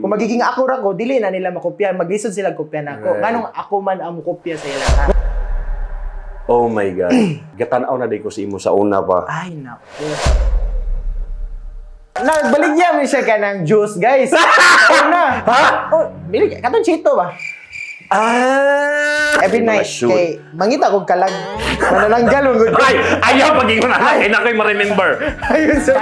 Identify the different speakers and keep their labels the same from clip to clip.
Speaker 1: Kung magiging ako ra ko, dili na nila makopya. Maglisod sila kopya na ako. Nganong ako man ang kopya sa ila.
Speaker 2: Oh my God. Gatanaw na di ko si imo sa una pa.
Speaker 1: Ay, naku. Nagbaligyan mo siya ka ng juice, guys. Una. Ha? Oh, bilig. Katong chito ba? Every night, kay mangita kong kalag. Manananggal mo.
Speaker 2: Ay! Ayaw pag-ingon na. Ay, na ko'y ma-remember.
Speaker 1: Ayun, sir.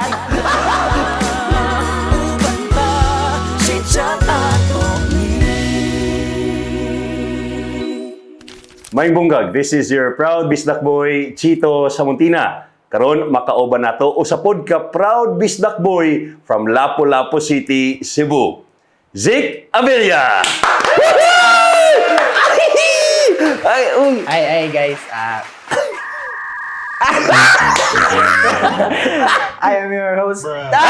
Speaker 2: May bunggag, this is your proud bisdak boy, Chito Samuntina. Karon makauban nato usapod ka proud bisdak boy from Lapu-Lapu City, Cebu. Zik Abilia!
Speaker 1: Ay, guys. I am your host.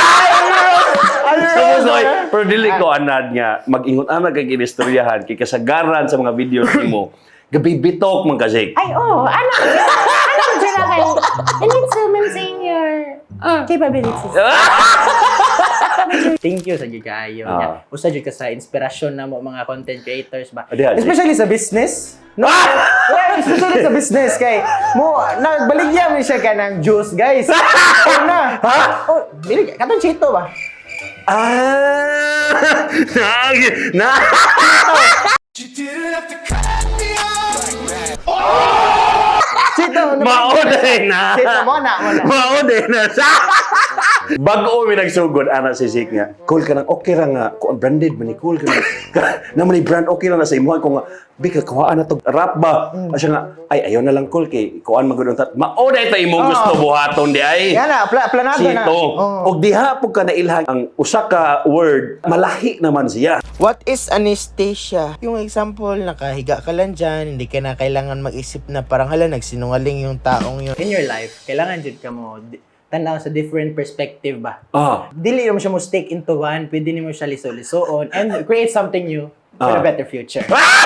Speaker 2: Pero dili ko anad nga, mag-ingon-anad kay ginistoryahan, kay kasagaran sa mga videos nimo. Gabi bitok man ka, Zik.
Speaker 3: Ay, oo. Ano dyan na kayo? You need to maintain your capabilities.
Speaker 1: Thank you sa gigayo niya. Usa jud ka sa inspirasyon na mo mga content creators ba.
Speaker 2: Especially
Speaker 1: Especially sa business. No? Yeah, especially sa business kay mo nagbaligyan mo siya ka ng juice, guys. Una. Ha? Oh, bilig. Katong chito ba? Chito,
Speaker 2: Maoday na.
Speaker 1: Chito mo na.
Speaker 2: Maoday na. Bago mi nagsugod ana si Zik nga. Cool ka nang okay ra nga. Kung branded man ni cool ka na man ni brand okay ra na sa imuha ko nga bika kuhaan na to rap ba. Asya nga ay ayaw na lang cool kay kuhaan magud untat. Maoday ta imong gusto buhaton di ay.
Speaker 1: Yan na, planado na.
Speaker 2: Chito. Og diha pug ka nailhan ang usa ka word malahi naman siya.
Speaker 4: What is anesthesia? Yung example, nakahiga ka lang dyan, hindi ka na kailangan mag-isip na parang hala, nagsinungaling yung taong yun.
Speaker 1: In your life, kailangan jud ka mo tanaw sa different perspective ba. Dili mo siya mo stick into one, pwede nimo siya liso-lisoon and create something new for a better future.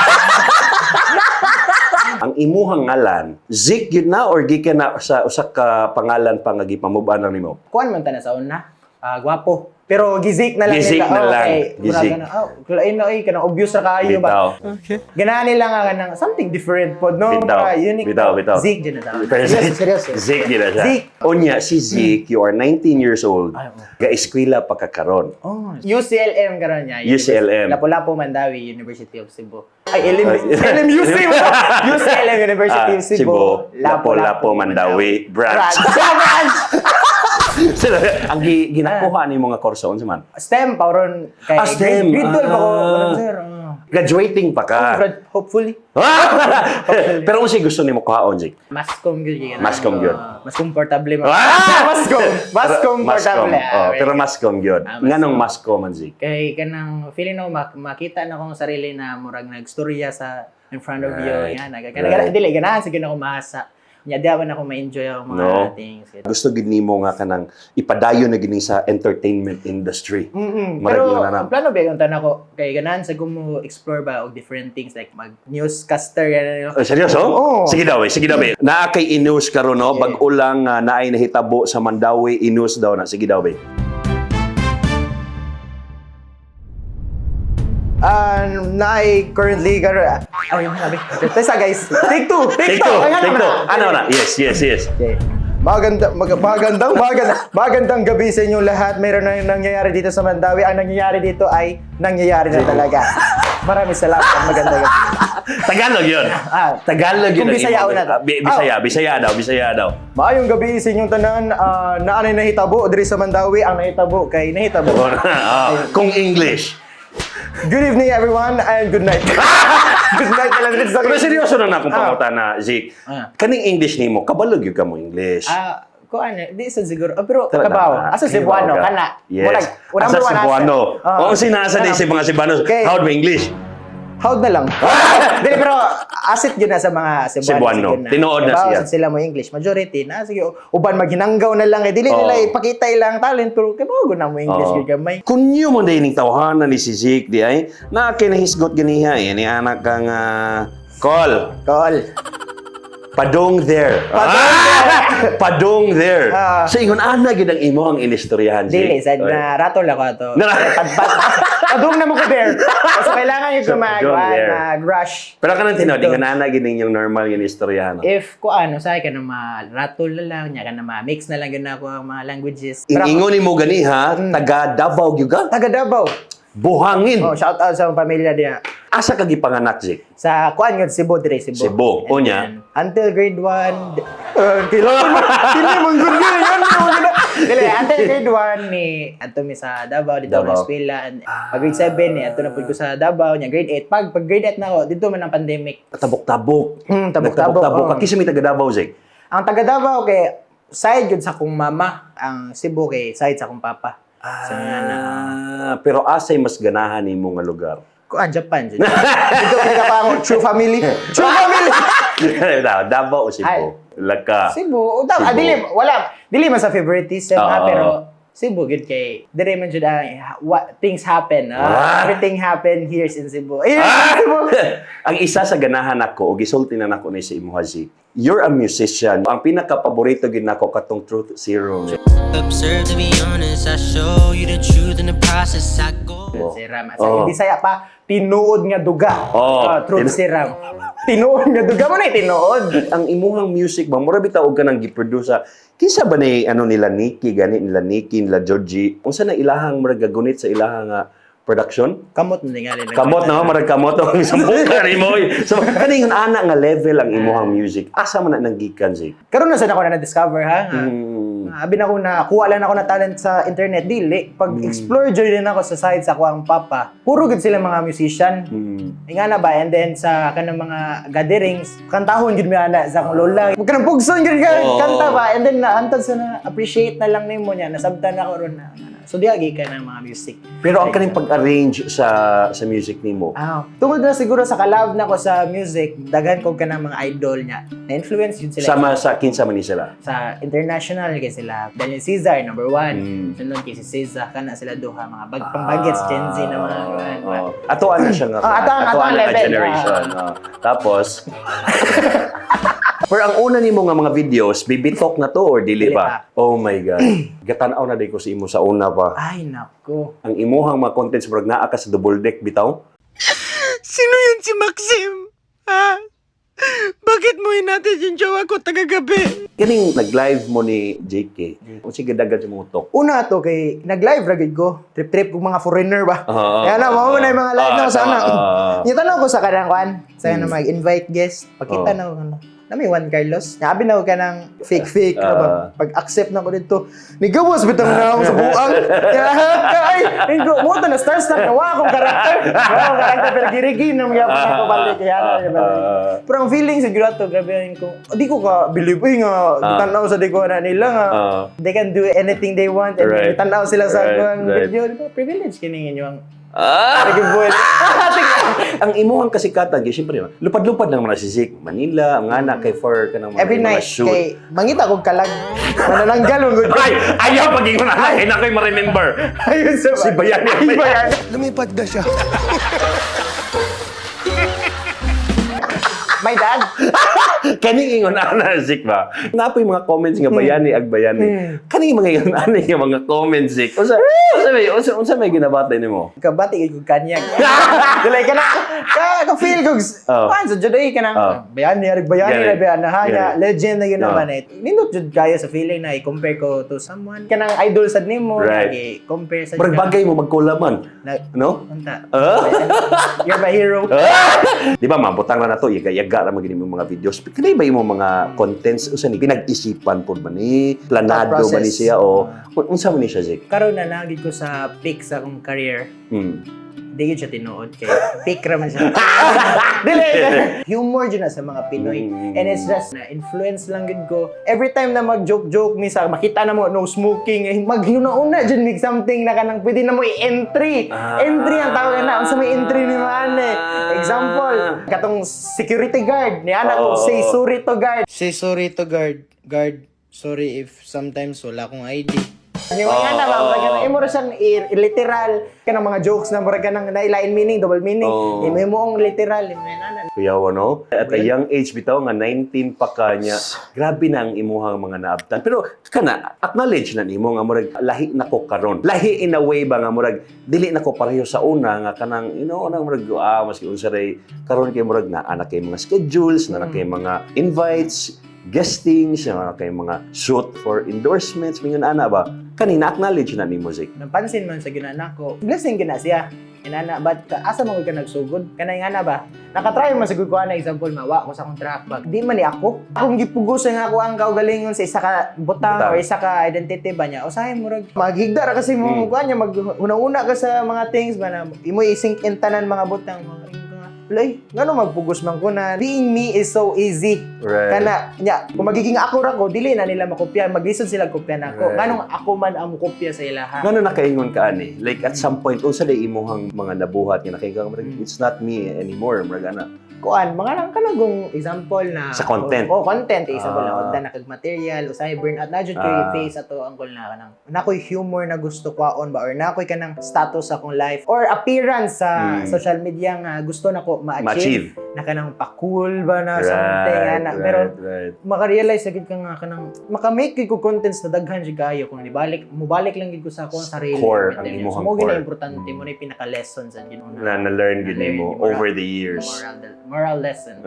Speaker 2: Ang imuhang ngalan, Zik yun na or gikan na sa usa ka pangalan pa nga gipamuban nimo?
Speaker 1: Kuan man ta na sa una. Gwapo. Pero gizik na lang
Speaker 2: Gizik na lang. Gizik.
Speaker 1: Kulain na kanang obvious ra kaayo ba.
Speaker 4: Okay.
Speaker 1: Ganahan nila nga kanang something different pod no.
Speaker 2: Bitaw.
Speaker 1: Unique.
Speaker 2: Bitaw.
Speaker 1: Zik din na daw.
Speaker 2: Seryoso. Zik din na siya.
Speaker 1: Zik.
Speaker 2: Onya, si Zik, you are 19 years old.
Speaker 1: Ay,
Speaker 2: Ga-eskwela pa kakaron.
Speaker 1: Oh, UCLM karon niya.
Speaker 2: UCLM.
Speaker 1: Lapu-Lapu Mandawi, University of Cebu. Ay, LMUC mo. UCLM University of Cebu.
Speaker 2: Lapu-Lapu Mandawi branch.
Speaker 1: Branch.
Speaker 2: Ang ginakuha ni mga kurso unsa man?
Speaker 1: STEM pauron kay
Speaker 2: STEM.
Speaker 1: grade 12 ako, sir.
Speaker 2: Graduating pa ka.
Speaker 1: Hopefully.
Speaker 2: Pero unsa gusto nimo kuhaon, Zik?
Speaker 1: Mascom gyud.
Speaker 2: Mascom gyud.
Speaker 1: Mas komportable mo.
Speaker 2: Mascom.
Speaker 1: Mas komportable.
Speaker 2: Pero mascom gyud. Nganong mascom man, Zik?
Speaker 1: Kay kanang feeling no makita na kong sarili na murag nagstorya sa in front of you yan. Dili ganahan sige na ko mahasa. Nya daw na ako ma-enjoy ang mga things.
Speaker 2: Gusto gid nimo nga kanang ipadayon na gini sa entertainment industry.
Speaker 1: Pero ang plano ba yung tanan ko kay ganahan sa gumo explore ba og different things like mag newscaster yan.
Speaker 2: Seryoso?
Speaker 1: Oo.
Speaker 2: Sige daw, sige daw. Naa kay Inus karon no, bag-o lang naay nahitabo sa Mandawi Inus daw na. Sige daw, be.
Speaker 1: Currently ay sabi. Tesa guys. Take two.
Speaker 2: Ano na? Yes.
Speaker 1: Okay. Magandang gabi sa inyong lahat. Meron na nangyayari dito sa Mandawi. Ang nangyayari dito ay nangyayari na talaga. Maraming salamat. Magandang gabi.
Speaker 2: Tagalog yun. Tagalog yun.
Speaker 1: Kung Bisaya na to.
Speaker 2: Bisaya daw.
Speaker 1: Maayong gabi sa inyong tanan. Na anay nahitabo diri sa Mandawi. Ang nahitabo kay nahitabo.
Speaker 2: Kung English.
Speaker 1: Good evening everyone and good night. Good night na lang dito sa
Speaker 2: Pero seryoso na akong pangutan na, Zik. Kaning English nimo, kabalog yun ka mo English.
Speaker 1: Ko di sa siguro. Pero kabaw. Asa Cebuano kana.
Speaker 2: Yes. Asa Cebuano. O sinasa din si mga Cebuanos. How do English?
Speaker 1: Howd na lang. Dili pero asset gyud na sa mga
Speaker 2: Cebuano. Tinuod na siya.
Speaker 1: Sila mo English. Majority na sige uban maghinanggaw na lang dili nila ipakita ilang talent pero kay mo na mo English gyud gamay.
Speaker 2: Kunyo mo dining tawhanan ni si Zik di ay na kinahisgot ganiha ni anak kang call. Padong there. Padong there. Sa ingon ana gid ang imo ang inistoryahan.
Speaker 1: Dili, sad na ratol ako ato. Padung na mo ko there. So kailangan yung
Speaker 2: padung there.
Speaker 1: mag-rush.
Speaker 2: Pero kanang tinuod nga ana gid yung normal nga inistoryahan.
Speaker 1: If ko ano, sa ka na ma-ratol na lang, nya ka na ma-mix na lang yun ako ang mga languages.
Speaker 2: Ingon nimo gani ha, taga Davao gyud ka?
Speaker 1: Taga Davao.
Speaker 2: Buhangin.
Speaker 1: Oh, shout out sa pamilya diya.
Speaker 2: Asa ka gipanganak, Zik?
Speaker 1: Sa kuan yun, Cebu dire, Cebu.
Speaker 2: Cebu.
Speaker 1: And
Speaker 2: Unya?
Speaker 1: then, until grade 1, kailangan mo, hindi mong good yun. Dili, until grade 1, ato mi sa Davao, dito ako
Speaker 2: Davao.
Speaker 1: na eskwela. Pag grade 7, ato na po ko sa Davao, nya grade 8. Pag grade 8 na ako, dito man ang pandemic.
Speaker 2: Tabok-tabok.
Speaker 1: Tabok-tabok.
Speaker 2: Nagtabok-tabok. Kisa may taga Davao, Zik?
Speaker 1: Ang taga Davao, kay side yun sa kong mama. Ang Cebu, kay side sa kong papa. So,
Speaker 2: Pero asay mas ganahan nimo nga lugar?
Speaker 1: Japan. Dito ka pa ako, true family. True family!
Speaker 2: Davao o Cebu? Laka.
Speaker 1: Cebu.
Speaker 2: Cebu.
Speaker 1: Dili man sa favoritism ha,
Speaker 2: Oo.
Speaker 1: pero Cebu good kay dire man jud what things happen. Everything happen here in Cebu. Cebu.
Speaker 2: Ang isa sa ganahan ako o gisulti na nako ni sa imo Haji. You're a musician. Ang pinaka-paborito gid nako katong Truth Serum.
Speaker 5: Observe, to be honest, I show you the truth in the process I go.
Speaker 1: Siram. Sa Bisaya pa tinuod nga duga. Truth serum. Tinuod nga duga mo na tinuod.
Speaker 2: Ang imuhang music ba mura bitaw og kanang gi-produce kinsa ba ni ano nila Nikki gani nila Nikki nila Georgie unsa na ilahang murag gagunit sa ilahang production?
Speaker 1: Kamot na nga rin.
Speaker 2: Kamot na marag kamot ang sambuka ni mo. So kaning ana nga level ang imuhang music. Asa man na nanggikan si?
Speaker 1: Karon na sa ako na discover ha. Abi na ko na kuha lang ako na talent sa internet dili. Pag explore joy din ako sa side sa kuang papa. Puro gud sila mga musician. Nga na ba and then sa kanang mga gatherings kantahon gud mi ana sa akong lola. Pag kanang pugson gud ka kanta ba and then naantad sa na appreciate na lang nimo niya nasabtan ako ron na. So diagi ka ng mga music.
Speaker 2: Pero ang kaning pag-arrange sa music nimo.
Speaker 1: Tungod na siguro sa kalab na ko sa music, daghan ko ka ng mga idol niya. Na-influence yun sila.
Speaker 2: Sama sa kinsa man ni sila.
Speaker 1: Sa international kay sila Daniel Cesar number 1. Sunod kay si Cesar kana sila duha mga pambagets Gen Z na mga
Speaker 2: Ato ana siya nga.
Speaker 1: ato ang
Speaker 2: na
Speaker 1: level.
Speaker 2: generation. Tapos pero ang una nimo nga mga videos, bibitok na to or dili
Speaker 1: Dili
Speaker 2: pa? Oh my God. Gatanaw na day ko sa imo sa una pa.
Speaker 1: Ay nako.
Speaker 2: Ang imuhang mga contents murag naa ka sa double deck bitaw.
Speaker 5: Sino yun si Maxim? Ha? Bakit mo hinatid yung jowa ko tagagabi?
Speaker 2: Kaning nag-live mo ni JK. Unsa gidagan sa mga utok?
Speaker 1: Una to kay nag-live ra gid ko. Trip kong mga foreigner ba.
Speaker 2: Oo.
Speaker 1: Kaya na mo na yung mga live na ko sana.
Speaker 2: tama.
Speaker 1: Yung tanong ko sa kanang kwan, sa kanang mag-invite guest, pakita na ko na may Juan Carlos. Nabi na ko ka ng fake. Pag-accept na ko dito, nigawas bitang na ako sa buang. Ay, mo to na star na wa akong karakter. Pero girigin na mga ako balik. Kaya na. Pero ang feeling siguro to, grabe yun ko. Di ko ka believe nga, tanaw sa di ko na nila nga. They can do anything they want and
Speaker 2: Right.
Speaker 1: tanaw sila sa
Speaker 2: Right.
Speaker 1: video. Di ba? Privilege kining inyo ang
Speaker 2: Ang imuhang kasikatan, kaya siyempre, lupad-lupad lang mga sisik. Manila, ang anak kay for ka ng mga,
Speaker 1: every
Speaker 2: mga
Speaker 1: night
Speaker 2: shoot.
Speaker 1: kay mangita kog kalag. Manananggal mo gud.
Speaker 2: Ay! Ayaw pag-ingon na! Ay, na kayo ma-remember.
Speaker 1: Ayun sa
Speaker 2: Si Bayani.
Speaker 5: Lumipad na siya.
Speaker 1: My dad.
Speaker 2: Kaning ingon ana Zik ba? Napoy mga comments nga bayani ag bayani. Kaning mga ingon ana nga mga comments Zik. Unsa may ginabatay nimo?
Speaker 1: Kabati gid kog kanyag. Dili ka na ka feel kog pan sa juday ka na. Bayani ra bayan na hanya legend na yun naman eh. Nindot jud kaya sa feeling na i-compare ko to someone kanang idol sad nimo
Speaker 2: Right.
Speaker 1: compare sa
Speaker 2: Pero bagay mo magkulaman. No?
Speaker 1: Unta.
Speaker 2: Ah?
Speaker 1: You're my hero.
Speaker 2: Di ba mabutang na to yaga ra magini mga videos. Kani ba imo mga contents usa ni pinag-isipan pud man ni planado
Speaker 1: Thought
Speaker 2: man ni
Speaker 1: process.
Speaker 2: siya o unsa man ni siya Zik?
Speaker 1: Karon na nagid ko sa peak sa akong career. Di yun siya tinuod kay peak raman siya. Dili. Humor dyan na sa mga Pinoy. And it's just na influence lang gid ko. Every time na mag-joke mi sa makita na mo no smoking, maghuna-una dyan mig something na kanang pwede na mo i-entry. Entry ang tawag na. Unsa may entry ni Mane? Example, katong security guard ni ana ko say sorry to guard.
Speaker 4: Say sorry to guard. Guard, sorry if sometimes wala akong ID.
Speaker 1: Yung mga na, murag ka imo ra siyang literal kanang mga jokes na murag ka nang nailain meaning, double meaning.
Speaker 2: Oo.
Speaker 1: Imo mo ang literal, imo na.
Speaker 2: Kuya no? At a young age bitaw nga 19 pa ka niya. Grabe na ang imuhang mga naabtan. Pero kana acknowledge na nimo nga murag lahi nako karon. Lahi in a way ba nga murag dili nako pareho sa una nga kanang nang murag maski unsa ray karon kay murag na anak kay mga schedules, na kay mga invites, guestings, na kay mga shoot for endorsements, mingon ana ba? Kanina acknowledge na nimo Zik.
Speaker 1: Napansin man sa ginana ko, blessing gina siya. Inana, but asa mo ka nagsugod? Kanay nga na ba? Nakatry man sa ko na example, mawa ko sa akong track bag. Di man ni ako. Akong gipugusan nga ako ang kaugalingon sa isa ka butang or isa ka identity ba niya. Usahay mo rag maghigda ra kasi mo kuha niya maghuna-una ka sa mga things ba na imo i-sink in tanan mga butang. Lay, ngano magpugos man ko na being me is so easy.
Speaker 2: Right.
Speaker 1: Kana nya, kung magiging ako ra ko, dili na nila makopya, maglisod sila kopya nako.
Speaker 2: Right.
Speaker 1: Nganong ako man ang kopya sa ilaha.
Speaker 2: Ngano nakaingon ka ani? Like at some point unsa day imuhang mga nabuhat nga nakaingon ka it's not me anymore, murag ana.
Speaker 1: Kuan, mga lang kanagong example na
Speaker 2: Sa content.
Speaker 1: Oh, content example na
Speaker 2: Ah.
Speaker 1: odda na kag material o say burnout na jud ko face ato ang goal na kanang nakoy humor na gusto kwaon ba or nakoy kanang status sa akong life or appearance sa social media nga gusto nako ma-achieve na kanang pa-cool ba na something ana pero maka-realize gid ka nga kanang maka-make gid ko contents na daghan jud kayo kung mubalik lang gid ko sa akong sarili.
Speaker 2: Core, ang imuhang
Speaker 1: mo gid
Speaker 2: core.
Speaker 1: importante mo na yung pinaka-lesson sa gid
Speaker 2: na na-learn gid nimo over the years.
Speaker 1: Moral lesson.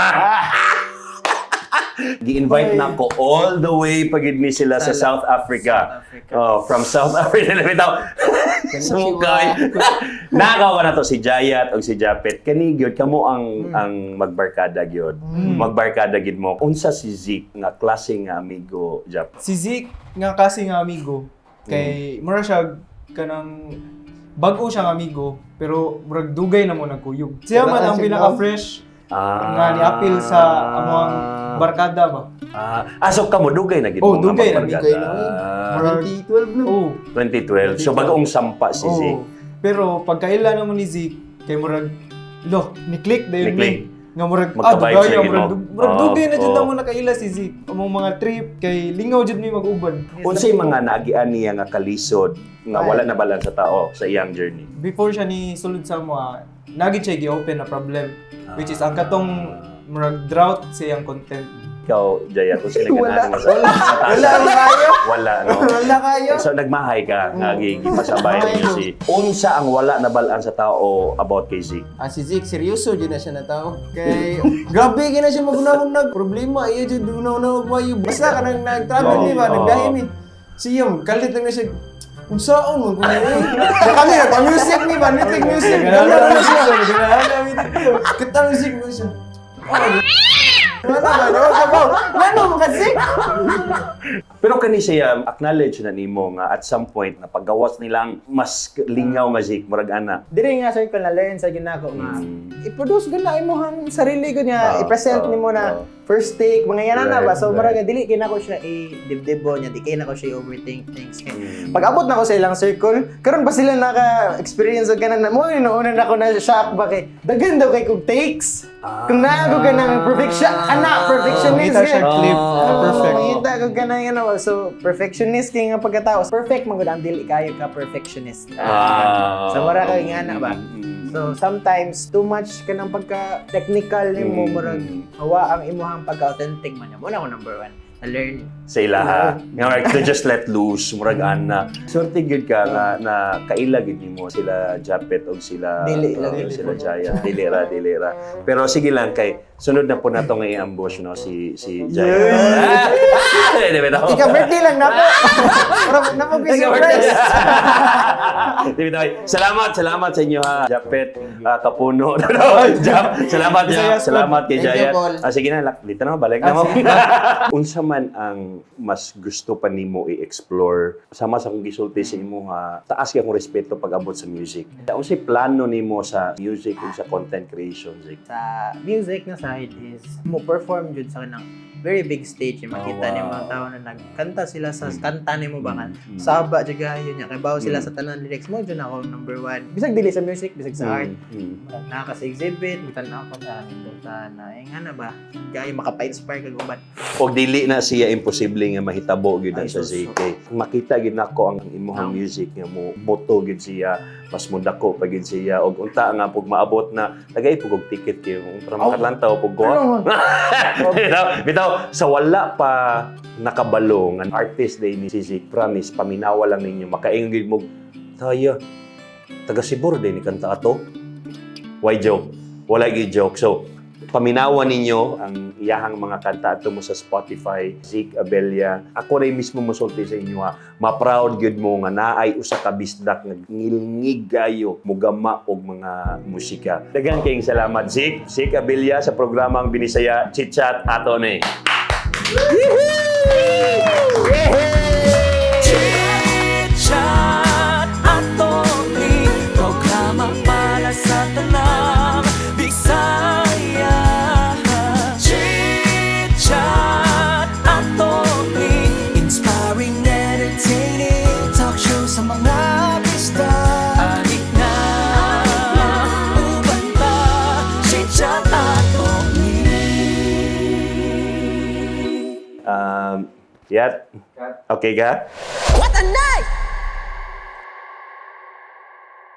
Speaker 2: Gi-invite na ko all the way pagid ni sila sa South Africa. Oh, from South Africa na bitaw. Sumukay. Nagawa na to si Jayat o si Japet. Kani gyud kamo ang magbarkada gyud. Magbarkada gid mo. Unsa si Zik nga klase nga amigo Jap?
Speaker 6: Si Zeke nga kasi nga amigo kay mura siya kanang bag-o siyang amigo pero murag dugay na mo nagkuyog. Siya man ang pinaka-fresh nga ni-appeal sa among barkada ba.
Speaker 2: So kamo dugay na gid
Speaker 6: Oh,
Speaker 2: mo nga
Speaker 6: dugay na,
Speaker 2: magbarkada.
Speaker 4: dugay na,
Speaker 6: Murag
Speaker 4: 2012 na.
Speaker 6: oh.
Speaker 2: 2012. So bagong sampa si Zik.
Speaker 6: Pero pagkaila naman ni Zeke kay murag ni-click dayon
Speaker 2: Ni-click.
Speaker 6: ni nga murag
Speaker 2: Magka-vibes
Speaker 6: dugay
Speaker 2: na gid mo.
Speaker 6: murag dugay na jud
Speaker 2: Oo.
Speaker 6: na mo nakaila si Zeke. Among mga trip kay lingaw jud mi mag-uban.
Speaker 2: Unsay mga naagian niya nga kalisod nga wala na balan sa tao sa iyang journey?
Speaker 6: Before siya ni sulod sa mga nagit siya gi-open na problem which is ang katong murag drought sa iyang content.
Speaker 2: Ikaw, Jaya, kung sila
Speaker 1: Wala.
Speaker 2: ganaan mo sa Wala, no?
Speaker 4: Wala kayo.
Speaker 2: So, nagmahay ka, nagigipasabay niyo si... Unsa ang wala na balaan sa tao about kay Zeke?
Speaker 4: Si Zeke, seryoso dyan na siya na tao. Kay, grabe ka na siya magunahon problema. Iya dyan, dunaw-naw mayo. Basta ka nang nag-travel ni ba, nagdahim ni. Siyam, kalit lang na siya. Kung saan mo, kung kami, nagpa-music ni ba, nitig music. Gano'n na siya. Kita music mo siya. Wala ba? Wala mo kasi.
Speaker 2: Pero kani siya, acknowledge na nimo nga at some point, na paggawas nilang mas lingaw nga Zeke, murag ana.
Speaker 1: Diri nga circle na learn sa ginako nga i-produce gud na imong sarili gud niya i-present nimo na first take mga yan na ba so murag dili kay nako siya i-dibdibo niya di kay nako siya overthink things kay pag abot na ko sa ilang circle karon ba sila naka-experience og kanan mo inuuna na ako na shock ba kay daghan daw kay kog takes kung naago ka ng perfectionist
Speaker 6: Kita siya clip na perfect.
Speaker 1: Kita ko ka na yan so perfectionist kay nga pagkatao perfect man gud ang dili kayo ka perfectionist sa mura kay nga na ba. So sometimes too much ka ng pagka-technical nimo murag hawa ang imuhang pagka-authentic man niya. Muna ko number 1 na learn.
Speaker 2: Sa ilaha. Nga like, to just let loose, murag ana. Sorte gyud ka nga na kaila gyud nimo sila Japet og sila
Speaker 1: Dili
Speaker 2: sila Jaya. Dilera. Pero sige lang kay sunod na po nato nga i-ambush no si Jaya.
Speaker 1: Ika birthday lang na po. Para na po surprise.
Speaker 2: Salamat sa inyo ha, Japet, Kapuno. Salamat kay
Speaker 4: Thank you,
Speaker 2: Jaya.
Speaker 4: Paul.
Speaker 2: Sige na, dito na, balik na mo. Unsa man ang mas gusto pa nimo i-explore sama sa kung gisulti sa imo ha, taas kay akong respeto pag abot sa music. Unsay plano nimo sa music ug sa content creation, Zik?
Speaker 1: Sa music na side is mo perform jud sa kanang very big stage. Makita niyo mga tao na nagkanta sila sa kanta ni mo ba saba jaga yun niya kay bawo sila sa tanan lyrics mo dyan ako number 1 bisag dili sa music bisag sa art naka sa exhibit bitan ako sa na nga na ba kay makapa-inspire kag uban
Speaker 2: Og dili na siya imposible nga mahitabo gyud
Speaker 1: Ay,
Speaker 2: sa
Speaker 1: sus,
Speaker 2: ZK. Makita gid nako ang imong music nga mo moto gyud siya, mas mudako pa gyud siya og unta nga pug maabot na tagay pug og ticket kayo para makalantaw pug go. Bitaw sa wala pa nakabalo nga artist day ni Sizik, promise paminawa lang ninyo makaingon gyud mo tayo taga Sibor day ni kanta ato. Why joke? Wala gyud joke. So paminawan ninyo ang iyahang mga kanta ato mo sa Spotify, Zik Abella. Ako rin mismo musulti sa inyo ha. Ma-proud gyud mo nga naay usa ka bisdak nga ngilngig gayo mugama og mga musika. Daghang kayong salamat Zik Abella sa programang Binisaya Chit Chat ato ni.
Speaker 5: Chit-chat ato ni programa para sa tanang Bisaya. Chit-chat ato ni inspiring, entertaining talk show sa mga pista. Adik na uban ta, chit-chat ato ni.
Speaker 2: Yat. Okay ka?
Speaker 5: What a night!